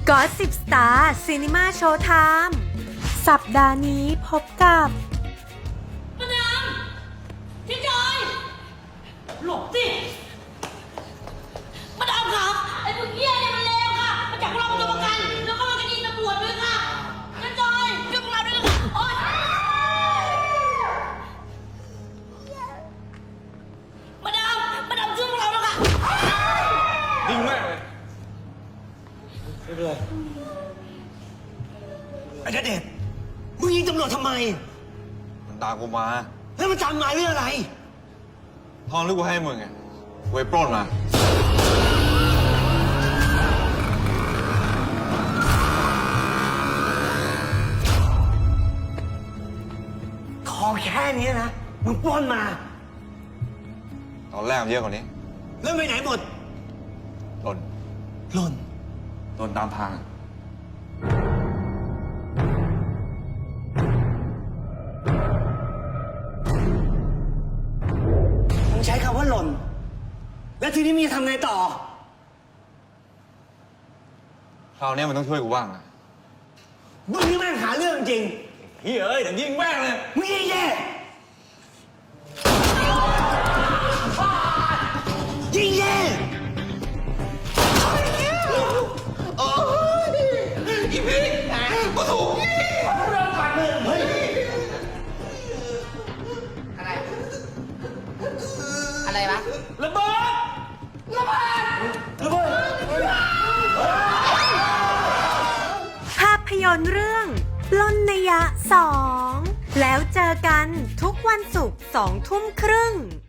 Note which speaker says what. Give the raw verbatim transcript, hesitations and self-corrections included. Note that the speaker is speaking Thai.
Speaker 1: ก็สิบ สตาร์ ซีนีมาโชว์ไทม์สัปดาห์นี้พบกับ
Speaker 2: มาดามพี่จอยหลบสิมาดามครับไอ้พวกเหี้ยเนี่ยมันเลวค่ะมาจับพวกเราเป็นตัวประกันแล้วก็มาคดีตำรวจด้วยค่ะพี่จอยช่วยพวกเราด้วยนะคะโอ๊ยมาดามมาดามช่วยพวกเราด้วยค่ะ
Speaker 3: ยิงแม่งเลยไม่เป็นไร
Speaker 4: ไอ้ณเดชน์มึงยิงตำรวจทำไม
Speaker 3: มันตามกูมา
Speaker 4: แล้วมันจำมาเรื่องอะไร
Speaker 3: ทองที่กูให้มึงไงกูไปปล้นมา
Speaker 4: ทองแค่นี้นะ มึงปล้นมา
Speaker 3: ตอนแรกมันเยอะกว่านี้
Speaker 4: แล้วไปไหนหมด
Speaker 3: หล่น
Speaker 4: หล่น
Speaker 3: โดนตามทาง
Speaker 4: มึงใช้คำว่าหล่น แล้วทีนี้มึงจะทำไงต่อ
Speaker 3: คราวนี้มันต้องช่วยกูบ้างนะ
Speaker 4: มึงนี่แม่งหาเรื่องจริง
Speaker 3: เฮ้ยเอ้ยเดี๋ยวยิงแม่งเลย
Speaker 4: มึงยิงแย่ยิงแย่อีพีโอ้โหเรื่องปากเลยเฮ้ย
Speaker 2: อะไร อะไรวะ
Speaker 4: ระเบิด ระเบิด ระเบิด
Speaker 1: ภาพยนตร์เรื่องปล้นนยะสองแล้วเจอกันทุกวันศุกร์สองทุ่มครึ่ง